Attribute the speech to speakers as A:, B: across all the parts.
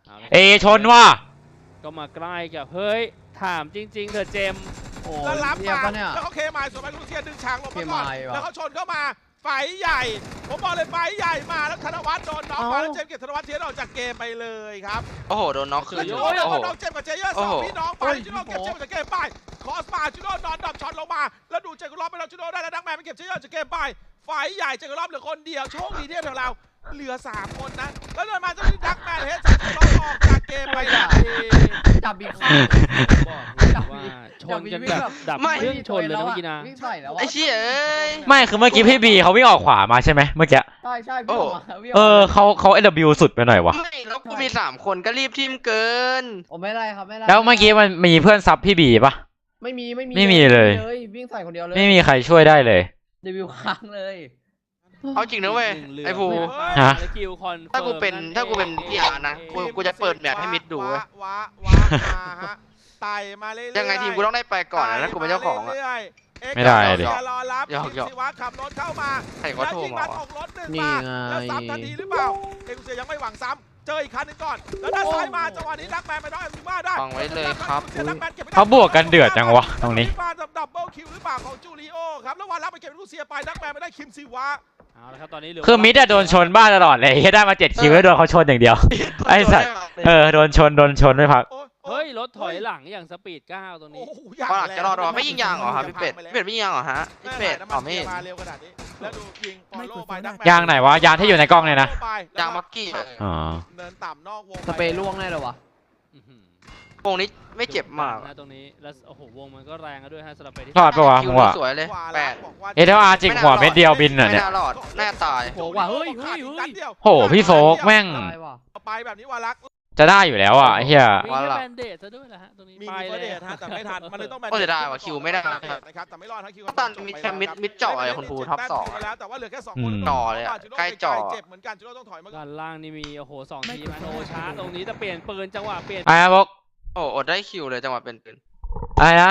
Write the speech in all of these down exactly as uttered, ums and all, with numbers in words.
A: เอชนว่ะ
B: ก็มาใกล้กับเฮ้ยถามจริงๆเธอเจม
C: แล้วรับมาแล้วเขาเคมายส่วนไปลูเซียดึงฉากลงมาก่อนแล้วเขาชนเข้ามาไฟใหญ่ผมบอกเลยไฟใหญ่มาแล้วธนวัฒน์โดนน็อกมาแล้วเจมส์เก็บธนวัฒน์เทียนออกจากเกมไปเลยครับ
D: โอ้โหโดนน็อกคืน
C: โอ้โหน้องเจมส์กับเจเยอร์สองพี่น้องไปจูโน่เก็บเจมส์จากเกมไปคอสมาจูโน่นอนดับช็อตลงมาแล้วดูเจกุลอฟไปแล้วจูโน่ได้แล้วนักแมนไปเก็บเจเยอร์จากเกมไปไฟใหญ่เจกุลอฟเหลือคนเดียวโชคดีที่ของเราเหลือสามคนนะแล้วเดินมาจะมีนักแมนเฮดเจกุลอฟออกจากเกมไปเลย
E: จับอีกข้าง
B: บอกว่าชนกันแบบดับเครื่องชนเลยเมื่อกี้นะ
D: ไอ้เชี่ยเอ้ย
A: ไม่คือเมื่อกี้พี่บีเขาวิ่งออกขวามาใช่ไหมเมื่อกี้
E: ใช่ใช่พี่
A: เออเขาเขาเอลบิวสุดไปหน่อยวะ
D: ไม่แล้วกูมีสามคนก็รีบทิมเกิน
E: โอ้ไม่ได้ครับไม่ได้
A: แล้วเมื่อกี้มันมีเพื่อนซับพี่บีปะ
E: ไม่มีไม่มี
A: ไม่มีเลย
E: วิ่งใส่คนเดียวเลย
A: ไม่มีใครช่วยได้เลย
E: เดบิวค้างเลย
D: เอาจริงนะเว้ยไอ้ภู
A: ฮะ
D: ถ้ากูเป็นถ้ากูเป็นพี่อาร์นะกูกูจะเปิดแมปให้มิดดูเว้ย
C: ว้าว้ามาฮะไต่มาเรื่อยๆ
D: ยังไงทีมกูต้องได้ไปก่อนนะกูเป็นเจ้าของอ่ะ
A: ไม่ได้
C: ดิรอรับคิมซิวะขับรถเข้ามา
D: ใครก็โทรมา
C: ตกรถหนึ่งมาแล้วซ้ำทันทีหรือเปล่าเอ็กซ์เซียยังไม่หวังซ้ำเจออีกคันนึงก่อนแล้วด้านซ้ายมาจังหวะนี้ดักแมนไปได้ซิว่าได้
D: ฟังไว้เลยครับ
A: เขาบวกกันเดือดจังวะตรงนี้
C: มาดับเบิลคิวหรือเปล่าของจูริโอครับแล้ววันรับไปเก็บลูเซียไปดักแมนไปได้คิมซิวะ
B: เอาละครับตอนนี้
A: คือมิดอะโดนชนบ้าตลอดเลยได้มาเจ็ดคิวแล้วโดนเขาชนอย่างเดียวไอ้สัตว์เออโดนชนโดนชนไม่พัก
B: เฮ้ยรถถอยหลังอย่างสปีดเก้าตรงนี้
D: ก็จะรอรอไม่ยิงยางเหรอครับพี่เป็ดพี่เป็ดไม่ยิงยางเหรอฮะพี่เป็ดอ๋อไม่
C: มาเร็วขนาดนี้แล้วดูยิงฟอลโล่ไปดักแมน
A: ยางไหนวะยางที่อยู่ในกล้องเนี่ยนะ
D: ยางมักกี้
A: อ๋อ
C: เดินต่ำนอกวง
E: สเปรย์ล่วงแน่เลยวะ
D: วงนี้ไม่เจ็บมาก
B: นะตรงนี้แล้วโอ้โหวงมันก็แรงด้วยฮะสำหรับไปที่
A: รอดปะวะมึงวะ
D: สวยเลยแปด
A: เอเทอาร์จิกหัวเม็ดเดียวบินอ่ะเนี่ย
D: ไม่น่ารอดแน่ตาย
B: โหว่ะเฮ้ยเฮ้ย
A: โหพี่โฟกแม่ง
C: ไปแบบนี้วารัก
A: จะได้อยู่แล้วอ่ะเฮีย
B: มีแบนเดดซะด้วยนะฮะตรงนี้
C: ไปเลยฮะแต่ไม่ทันมันเลยต้องแบนเด
D: ดก็จะได้ว่ะคิวไม่ได้
C: นะครับแต่ไม่รอดทั้งคิว
D: ตันมิดแคมมิดมิดจ่อไอ้คนภูท็อปสอง
C: แล้วแต่ว่าเหลือแค่สองคน
D: จ่อเลยใกล้จ่อ
C: เจ็บเหมือนกันจูโน่ต้องถอยมา
B: ด้านล่างนี่มีโอ้โหสองทีมโนชาตรงนี้จะเปลี่ยนปืนจังหวะเปลี่ยน
A: ไอ้บก
D: โอ้อดได้คิวเลยจังหวะเป็นปืน
A: อะไรนะ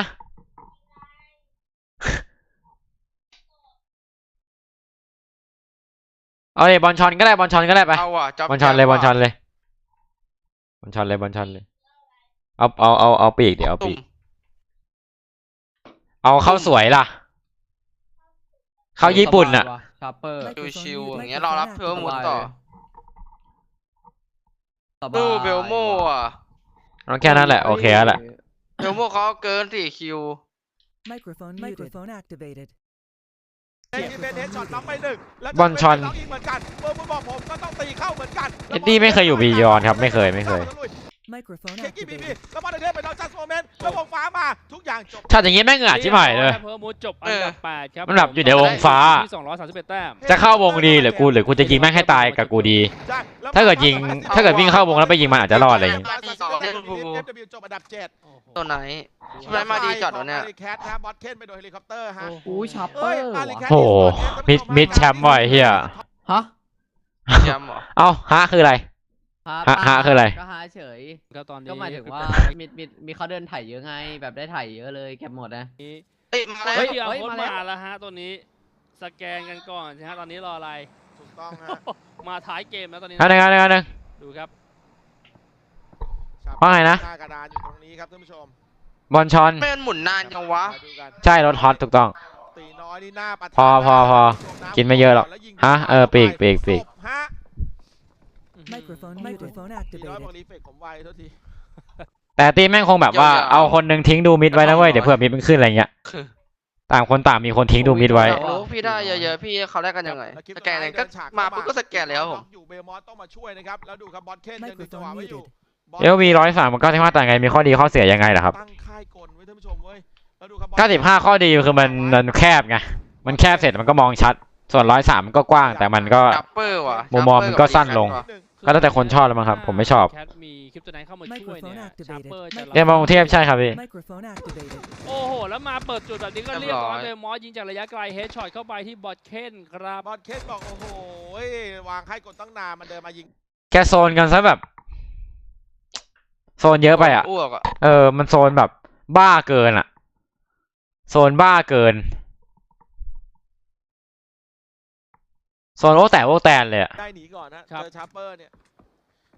A: เอาเลยบอลชอนก็ได้บอลชอนก็ได้ไปบอลชอนเลยบอลชอนเลยบอลชอนเลยบอลชอนเลยเอาเอาเอาเอาปีกเดี๋ยวเอาปีกเอาเข้าสวยล่ะเข้าญี่ปุ่นอ่ะ
D: ชิวๆอย่างเงี้ยรอรับเพื่อมุดต่อดูเบลโม่อะ
A: แค่นั้นแหละโอเคแล้วแหละ
D: เบลโม่เขาเกินสี่คิว
C: Microphone Microphone activated เป็นเฮดช็อตน็อกไปหนึ่ง
A: บอลชอน
C: เหมือนกันเบอร์บอกผมก็ต้องตีเข้าเหมือนกัน
A: เอ็ดดี้ไม่เคยอยู่บียอนครับไม่เคยไม่เคย
C: เคกี้บีบีแล้วบอลเดินไปนอกจัสโมเมนต์แล้ววงฟ้ามาทุกอย่างจบ
A: ถ้าอย่างงี้แม่งเหงื่อชิบหายเลย
B: เพิ่มมูดจบอันดับแปดครับ
A: มันแบบอยู่ในวงฟ้า
B: สองร้อยสามสิบเอ็ดแต้ม
A: จะเข้าวงดีหรือกูหรือกูจะยิงแม่งให้ตายกับกูดีถ้าเกิดยิงถ้าเกิดวิ่งเข้าวงแล้วไปยิงมันอาจจะรอดอะไรอย่างงี้
D: ตัวไหนไรมาดีจัดวะเนี่ย
C: แคทนะบอสเคนไปโดยเฮลิคอปเตอร์ฮะ
E: อู้ชัปเปอร์
A: โอ้มิดมิดแชมป์ว่ะเฮีย
E: ฮะ
D: แชมป์เหรอ
A: เอ้าฮะคืออะไรฮะฮะคืออะไร
E: ก็ฮะเฉย
B: ก็ตอนนี้
E: ก็หมายถึงว่ามีมีมีเขาเดินถ่ายเยอะไงแบบได้ถ่ายเยอะเลยเก็บหมดนะ
B: เฮ้ยมาแล้วมาแล้วฮะตัวนี้สแกนกันก่อนใช่ฮะตอนนี้รออะไร
C: ถูกต้องฮะ
B: มาท้ายเกมแล้วตอนนี้
A: อันนึงอันนึงอันนึง
B: ดูครับ
A: ว่าไงนะ
C: กระดานอยู่ตรงนี้ครับท่านผู้ชม
A: บอลชอน
D: เป็นหมุนนานจังวะ
A: ใช่รถฮอตถูกต้องพอพอพอกินไม่เยอะหรอกฮะเออปีกปีกปีกแต่ตีแม่งคงแบบว่าเอาคนหนึ่งทิ้งดูมิดไว้นะเว้ยเดี๋ยวเผื่อมิดมันขึ้นอะไรเงี้ยต่างคนต่างมีคนทิ้งดูมิดไว้
D: รู้พี่ได้เยอะๆพี่เขาแลกกันยังไงสแกนก็มาปุ๊บก็สแกนแล้วผม
C: อยู่เบลมอสต้องมาช่วยนะครับแล้วดูครับบอสเคนยังดึงจังหวะไว้อยู่
A: เอลวีร้อยสามมันก็ที่ว่าต่างไงมีข้อดีข้อเสียยังไงล่ะครับ
C: ตั้งค่ายกลไว้ท่านผู้ชมเว้ยแล้วดูครับ
A: เก้าสิบห้าข้อดีคือมันมันแคบไงมันแคบเสร็จมันก็มองชัดส่วนร้อยสามมันก็กว้างแต่มันก็มุมมองมันก็สั้นลงก็แล้วแต่คนชอบแล้วมั้งครับผมไม่ชอบ
B: แคทมีคลิปตัวไหนเข้ามาช่วยเนี่ยชาร์เปอร์จะ
A: เรียนมากรุงเทพใช่ครับพี่
B: โอ้โหแล้วมาเปิดจุดแบบนี้ก็เรียบร้อยเลยมอสยิงจากระยะไกลเฮดช็อตเข้าไปที่บอทเคนครับ
C: บอทเคนบอกโอ้โหวางค่ายกลตั้งนานมันเดินมายิง
A: แกโซนกันซะแบบโซนเยอะไปอ่ะเออมันโซนแบบบ้าเกินอ่ะโซนบ้าเกินโซนโอ้แต่โอ้แตนเลยอ่ะ
C: ได้หนีก่อนนะเจอชาร์เปอร์เนี่ย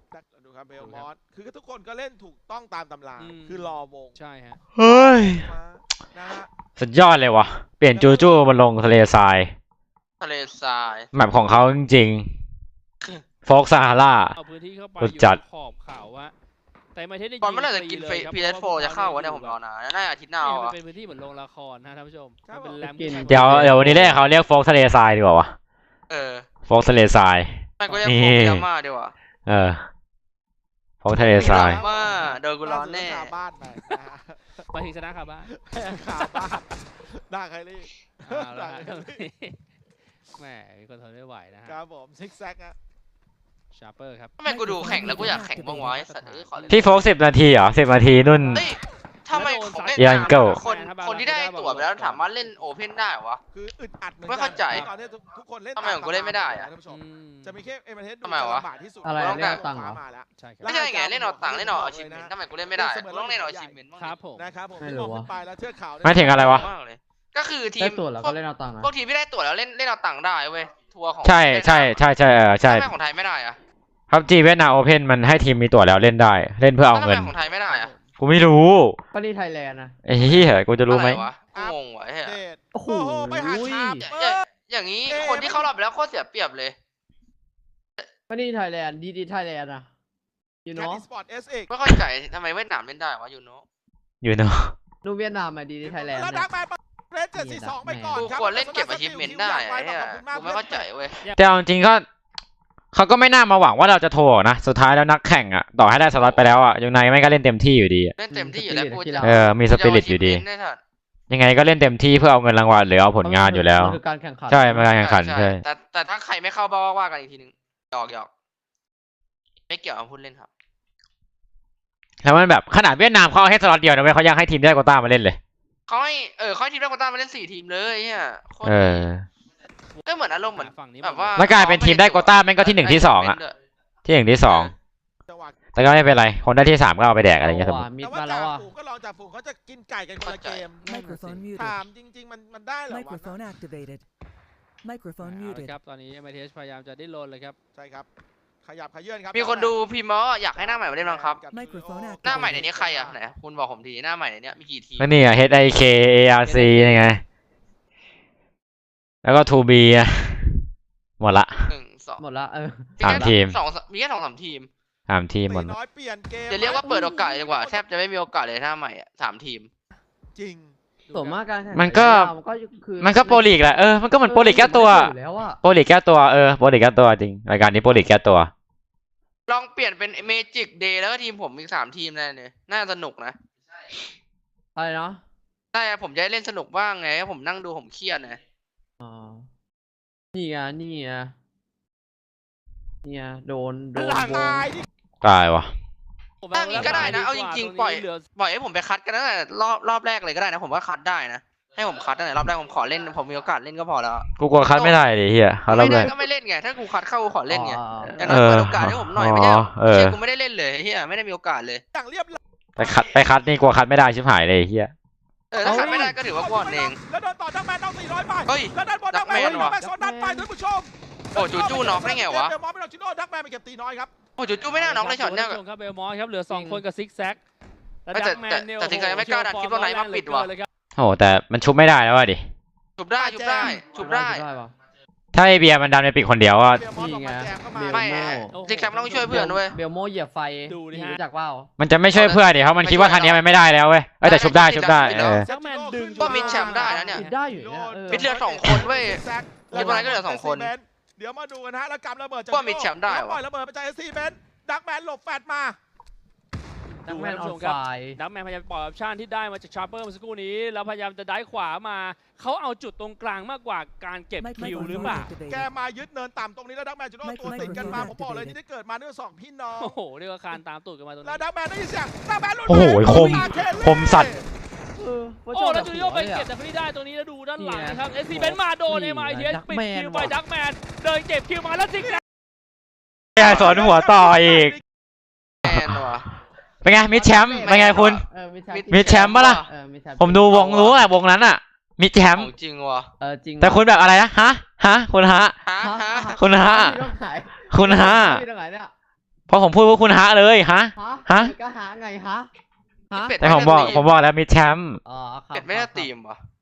C: ดูครับเบลมอสคือทุกคนก็เล่นถูกต้องตามตำราคือรอวง
B: ใช่ฮะ
A: เฮ้ย
C: นะฮะ
A: สุดยอดเลยวะเปลี่ยนจูจูมาลงทะเลทราย
D: ทะเลทราย
A: แมปของเขาจริงๆโฟกซาฮารา
B: เอาพื้นที่เข้าไป
A: สุ
B: อ
A: ด
B: ยู่
A: จัด
B: ขอบเขาวะแต่ไม่ได้
D: บอลเมื่อไหร่จะกินเฟพีเอสโฟจะเข้าวะเนี่ยผมรอนานน่าจะอาทิตย์หน้า
B: เนี่ยมัน
D: อ่ะ
B: เป็นพื้นที่เหมือนโรงละครนะท่านผู้ชมมันเป็นแรม
A: เดี๋ยวเดี๋ยววันนี้เรียกเขาเรียกโฟกทะเลทรายดีกว่าวะ
D: เออ
A: โฟกทะเลทราย
D: ไม่ก็เรียก
A: นี่
D: โฟกยาม่าดีกว่า
A: เออโฟกทะเลทราย
D: ยาม่าโดนกูร้อนแน่
C: ขาบ้านไปนะฮะ
B: ไปถึงชนะครับบ้าน
C: ขาบ้านด่าใครรีบ
B: เอาละฮะแหมมีคนทนไม่ไหวนะฮะ
C: ครับผมซิกแซกอะ
B: ชาร์เปอร์ครับ
D: ทำไมกูดูแข่งแล้วกูอยากแข่งบ้างวะไอ้สัตว์เอ้ยขอเล่น
A: พี่โฟกสิบนาทีเหรอสิบนาทีนุ่น
D: เฮ้ยทำไมของเล่น
A: ยังเก่า
D: คนคนที่ได้ตั๋วไปแล้วสามารถเล่นโอเพ่นได้เหรอวะ
C: คืออึดอัดเหมือน
D: ไม่เข้าใจ
C: ตอนนี้ทุกคนเล่น
D: ทำไมของกูเล่นไม่ได้อะ
C: ท่านผู้ชม
B: อืม
C: จะมีแค่เอ็มเอเทส
D: ทำไมวะ
C: ลำบากที่สุด
E: อะไร
D: ต้อง
E: เรีย
D: กา
E: ก
D: ร
E: ตังค์เหรอ
C: มาแล้ว
B: ใช่ครับ
D: ไม่ใช่ไงเล่นเอาตังค์เล่นเอาอาชีพเมนทำไมกูเล่นไม่ได้อะกูต้องเล่นเอาอาชีพเมนบ้าง
B: ครับผม
C: นะครับผม
E: ไม่
C: ที่
E: รู้
C: มอง
E: วะ
C: ขึ้นไปแล้วเทือกเขาเนี่ย
A: หมายถึงอะไรวะ
D: มากเลยก็คือที
E: ได้
D: ม
E: ตัวแล้วก็เล่นเอาตังค์นะ
D: พวกทีมที่ได้ตั๋วแล้วเล่นเล่นเอาตังค์ได้เว้ยทัวร์ของ
A: ใช่ใช่ใช่ใช่เออใช่
D: ทำไมของไทยไม่ได้อะ
A: ครับจีเวียดนามโอเพนมันให้ทีมมีตั๋วแล้วเล่นได้ เล่นเพื่อเอา
D: ทำไม
A: เงิน
D: ของไทยไม่ได้อะ
A: กูไม่รู้
E: ก็นี่ไทยแลนด์นะ
A: ไอ้เหี้ยกูจะรู้ไหม
D: อะวะกูงงวะไอ้เหี้ย
C: เดช
E: โอ้โห
C: โอ้โหไปหาชาบ
D: อย่า
C: เอ
D: อย่า
C: อ
D: อย่างนี้
C: เอ๊ะ
D: คนที่เข้ารอบไปแล้วโคตรเสียเปรียบเลย
E: ก็นี่ไทยแลนด์ดีดีไทยแลนด์นะยู
C: แค
E: โน่
C: ทสปอร์ตเอสเอก
D: ไม่เข้าใจทำไมเวียดนามเล่นได้วะยูโน่
A: อยู่เนาะ
E: นูเวียดนามอะดีดีไทยแลนด์
C: แล้ว
E: เนี่
C: ดั
E: ย
C: กแมนเรสเจ็ดสี่สองไปก่อน
D: กู
C: ครับ
D: ควรเล่นเก็บอาชีพเมนได้ไอ้เหี้ยกูไม่เข้าใจเว้ย
A: แต่เอาจริงๆก็เขาก็ไม่น่ามาหวังว่าเราจะโทรหรอกนะสุดท้ายแล้วนักแข่งอ่ะต่อให้ได้สล็อตไปแล้วอ่ะยังไงไม่ก็เล่นเต็มที่อยู่ดีอะ
D: เล่นเต็มที่อยู่แล้วกูจะ
A: เออมีสปิริตอยู่ดี
D: ได้ทัน
A: ยังไงก็เล่นเต็มที่เพื่อเอาเงินรางวัลหรือเอาผลงานอยู่แล้ว
E: มันคือการแข่งขัน
A: ใช่มันการแข่งขันใช่
D: แต่แต่ถ้าใครไม่เข้าบ้าว่ากันอีกทีนึงหยอกหยอกไม่เกี่ยวกับพูดเล่นครับ
A: แล้วมันแบบขนาดเวียดนามเขาเอาแค่สล็อตเดียวนะเว้ยเขายังให้ทีมได้โควต้ามาเล่นเลย
D: เขาให้เออเขาให้ทีมได้โควต้ามาเล่นสี่ทีมเลยเนี่ยโคตร
A: เออ
D: ก็เหมือนอารมณ์เหมือน
B: ฝั่งนี้
D: แบบว่า
A: แล้วกลายเป็นทีมได้โควต้าแม่งก็ที่หนึ่งที่สองอะ ที่หนึ่งที่สอง
C: จังหวะ
A: แต่ก็ไม่เป็นไรคนได้ที่สามก็เอาไปแดกอะไรอย่างเงี้ยสมม
E: ว่ะ
A: ติ
E: มิด
C: แต่ว่า
E: มาแล้
C: จ่าว
E: อ่ะ
C: ฝูงก็ลองจ่าฝูงเขาจะกินไก่กันคนละเกม
F: Microphone
C: ถาม
F: muted.
C: จริง ๆ มันมันได้เหรอวะ
F: Microphone activated. Microphone
B: เอาละ
F: muted.
B: ครับตอนนี้ เอ็ม ไอ ที เอช พยายามจะดิ้นรนเลยครับ
C: ใช่ครับ ขยับขยื่นครับ
D: มีคนดูพิมพ์มาว่าอยากให้หน้าใหม่มาเล่นบ้างครับ
F: Microphone
D: หน้าใหม่ในนี้ใครอ่ะไหนคุณบอกผมทีหน้าใหม่ในนี้มีกี่ทีม
A: แล้วนี่อ่ะ H I K A R C ยังไง แล้วก็ ทู บี อ่ะหมดละ
D: หนึ่งสอง
E: หมดละเออ
A: สามทีม
D: สองมีแค่สองสามทีม
A: สามทีมหมด
C: ตี
A: ละ
C: น้อยเปลี่ยนเกม
D: จะเรียกว่าเปิดโอกาสดีกว่าแทบจะไม่มีโอกาสเลยหน้าใหม่อ่ะสามทีม
C: จริง
E: ส่วนมากการแข่งขั
A: มันก็
E: มันก็คือ
A: มันก็โปรลีกแหละเออมันก็เหมือนโปรลีกแก้ตัว
E: อยู่แล้วอะ
A: โปรลีกแก้ตัวเออโปรลีกแก้ตัวจริงรายการนี้โปรลีกแก้ตัว
D: ลองเปลี่ยนเป็นเมจิกเดย์แล้วก็ทีมผมอีกสามทีมนั่นเลยน่าสนุกนะ
E: อะไรเนาะ
D: ใช่ผมจะได้เล่นสนุกบ้างไงผมนั่งดูผมเครียดนะ
E: อ๋อนี่ไงนี่ไงนี่ไงโดนโดน
C: หลาก
E: ว
C: หลาง ยที่
A: ตายวะ
D: ถ้างี้ก็ได้นะเอาจริงๆปล่อย
B: เหลือ
D: ปล่อยให้ผมไปคัดกันตั้งแต่รอบรอบแรกเลยก็ได้นะผมว่าคัดได้นะให้ผมคัดตั้งแต่รอบแรกผมขอเล่นผมมีโอกาสเล่นก็พอแล้ว
A: กูกลัวคัดไม่ได้ดิเฮียเขาเริ่
D: ไม่
A: ม
D: ได้
A: เลย
D: ก็ไม่เล่นไงถ้ากูคัดเข้ากูขอเล่นไง
E: อ๋อ
D: อย่างน้อยเปิดโอกาสให้ผมหน่อยไม่ใช่
A: อ๋อเออ
D: เชี่ยกูไม่ได้เล่นเลยเฮียไม่ได้มีโอกาสเลย
C: อย่างเรียบร้อย
A: ไปคัดไปคัดนี่กลัวคัดไม่ได้ชิบหายเลยเฮีย
D: เออถ้าคัดไม่ได้ก็ถือว่ากูอ่อนเอง
C: แล้วโดนต่อดักแมนต้องสี่ร้อยไป
D: เฮ้ย
C: แล้วด้านบนดักแมน
D: ดักแมนว่ะ
C: ดักแมนโซนด้านไปท่านผู้ชม
D: โอ้จูจูน็อกได้ไงวะ
C: เดมอนไม่ต้องจิโน่ดักแมนไปเก็บตีน้อยครับ
D: โอ้จูจูไม่น่าน็อกเลยช็อตเนี้ย
B: ท่าผู้ชมครับเบลมอสครับเหลือสองคนกับซิกแซกและ
D: แต่
B: ดักแมนเนี่ย
D: แต่แต่ Zigzag ไม่กล้าดันคลิปว่าไหนมาปิดว่ะ
B: เลยครับ
A: โอ้แต่มันชุบไม่ได้แล้วว่ะดิ
D: ชุบได้ชุบได้ชุบได้
E: ได้ปะ
A: ถ้าไอเบียร์มันดันไปปิดคนเดียวก็
C: เดมอนออกมาแจมเข้ามา
D: ไม่ฮะซิกแซกต้องช่วยเพื่อนด้วย
E: เบลโมเหยียบไฟ
B: ดูดิฮะ
E: รู้จักเปล่า
A: มันจะไม่ช่วยเพื่อนดิเพราะมันคิดว่าทางนี้มันไม่ได้แล้วเว้ยเอ้ยแต่ชุบได้ชุบได้เออ
B: ดักแมนดึง
D: ก็มิดแชมป์ได้นะเนี่ย
E: ปิดได้อยู่เนี่ยเออ
D: มิดเหลือสองคนเว้ย
C: แซก
D: คิดว่าอะไรก็เหลือสองคน
C: เดี๋ยวมาดูกันฮะแล้วกำระเบิดจาก
D: ว่ามิดแชมป์ได้
C: แล้วปล่
D: วะ
C: อยระเบิดไปจากเอสซีเบนดักแมนหลบแฟดมา
E: ดักแมนอ
B: ท่า
E: อน
B: ผู้ช
E: ไฟ
B: ครับดักแมนพยายามปล่อยออปชั่นที่ได้มาจากชาร์เปอร์เมื่อสักครู่นี้แล้วพยายามจะได้ขวามาเขาเอาจุดตรงกลางมากกว่าการเก็บคิวหรือเปล่า
C: แกมายึดเนินต่ำตรงนี้แล้วดักแมนจะโดนตัวติดกันมาผมบอกเลยที่ได้เกิดมาด้วยสองพี่น้อง
B: โอ้โหเรียกว่าคานตามตูดกันมาตรง
C: แล้ว
B: นี้
C: ดักแมนได้ยินเสียงดักแมนหลุด
A: โอ้โหคมคมสัตว์
E: เออว่า
B: โอ้
E: ชบ
B: แล้วจูดิโอไป
E: หัว
B: เก็บ
E: ลย
B: แต่
E: อะ
B: ไม่ได้ตรงนี้แล้วดูด้านหลัง
E: เนี่ย
B: นะครับเอสซีเบนมาโดน
E: นี่
B: เอ็มไอที
E: ไง
B: เอสปิด
E: Duckman
B: คิวไป
E: ว่ะ
B: ดักแมนเดินเก็บคิวมาแล้วซิกแซก
A: ไอ้สอนหัวต่ออีก
D: แมนว่ะ
A: เป็นไงมิดแชมป์เป็นไงคุณ
E: เออมิดแชมป์
A: มิดแชมป์ปะล่ะ
E: เออมิดแชมป์
A: ผมดูวงรู้อะวงนั้นอะมิดแชมป์
D: ของจริงว่ะ
E: เออจริง
A: แต่คุณแบบอะไรนะฮะฮะคุณฮะ
D: ฮะฮะ
A: คุณฮะ
E: ไม่ต้องขาย
A: คุณฮะ
E: ไม่ต้องขายเนี่ย
A: เพราะผมพูดว่าคุณฮะเลยฮะ
E: ฮะ
A: ฮะ
E: ก็หาไงฮะฮะ
D: เป็ด
A: แต่ผมบอกผมบอกแล้วมีแชมป์
E: อ๋อครับ
D: เป็ดไม่ได้ตีมวะ